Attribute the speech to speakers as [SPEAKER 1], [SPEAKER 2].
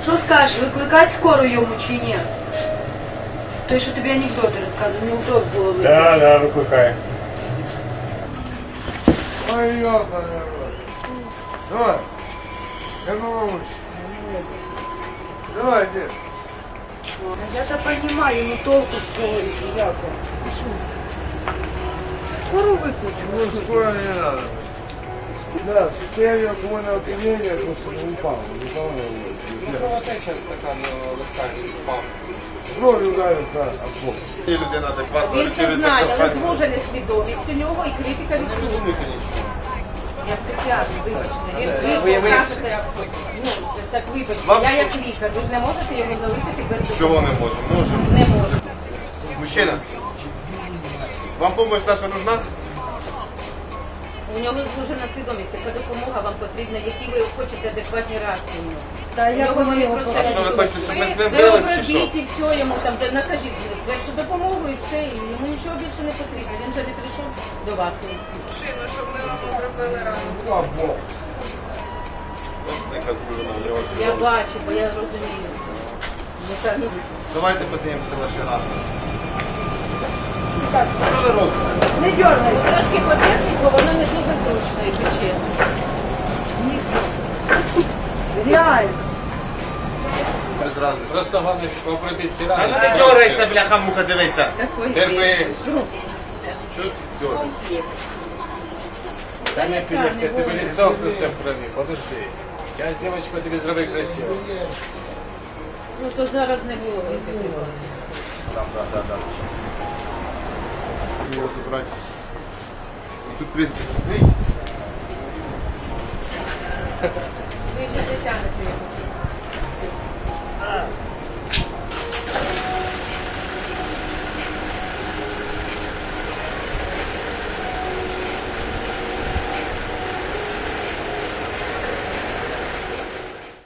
[SPEAKER 1] Що скажеш, викликати скору йому чи ні? Той, що тобі анекдоти розказував, неудобно було викликати.
[SPEAKER 2] Да, викликай.
[SPEAKER 3] Ой, ёбаный рот. Давай. Я могу. Давай, дед.
[SPEAKER 1] Я-то понимаю, ну толку з того, як он. Скоро викличу.
[SPEAKER 3] Ну, скоро не надо. Да, в состоянии алкогольного опьянения просто не упал. Не упал на улице.
[SPEAKER 4] Кровотеча така легка впав.
[SPEAKER 3] Кровь ударился об пол.
[SPEAKER 2] Людина адекватно
[SPEAKER 5] Він це знає, але звужена свідомість у нього і критика відсутня.
[SPEAKER 2] Розумієте нічого.
[SPEAKER 5] Я психіатр, вибачте. Ви покажете, ну, так вибачте, я як лікар, ви ж не можете його залишити без допомоги.
[SPEAKER 2] Чого не можемо? Можемо.
[SPEAKER 5] Не можете.
[SPEAKER 2] Мужчина, вам допомога наша нужна?
[SPEAKER 5] У нього звужена свідомість, яка допомога вам потрібна, які ви хочете адекватні реакції в нього.
[SPEAKER 1] Та
[SPEAKER 5] У
[SPEAKER 1] як
[SPEAKER 5] нього вони
[SPEAKER 1] вони
[SPEAKER 5] просто...
[SPEAKER 2] А що ви хочете, щоб ми з ним
[SPEAKER 5] Ви
[SPEAKER 2] бились чи що?
[SPEAKER 5] обробіть і все йому, там, де накажіть першу допомогу і все, і йому нічого більше не потрібно. Він вже не прийшов до вас.
[SPEAKER 6] Машину, щоб ми вам обробили рану.
[SPEAKER 3] Слава Богу.
[SPEAKER 2] Яка звужена в нього
[SPEAKER 5] Я
[SPEAKER 2] свідомість.
[SPEAKER 5] бачу, бо я розумію це. Ну,
[SPEAKER 2] Давайте подивимося ваші рани. Що ви робите?
[SPEAKER 1] Не дергай.
[SPEAKER 5] ну, трошки по техніку, воно не дуже зручно, якщо чесно.
[SPEAKER 1] Реально.
[SPEAKER 2] Без разниці.
[SPEAKER 4] Просто головне обробіть ці
[SPEAKER 2] А
[SPEAKER 4] рани.
[SPEAKER 2] ну не дергайся, бляха муха, дивися.
[SPEAKER 5] Такой
[SPEAKER 4] Терпи.
[SPEAKER 5] вес. Ну,
[SPEAKER 2] Що ти дергаєш?
[SPEAKER 5] конфлікт.
[SPEAKER 4] Та не епілепсія, тебе лицо все в крові, подожди. Я з дівчинкою тобі зробив красиво.
[SPEAKER 5] Ну, то зараз не було випити.
[SPEAKER 2] Да. Його забрати. І тут призбі.
[SPEAKER 5] Ви вже дотягнете його.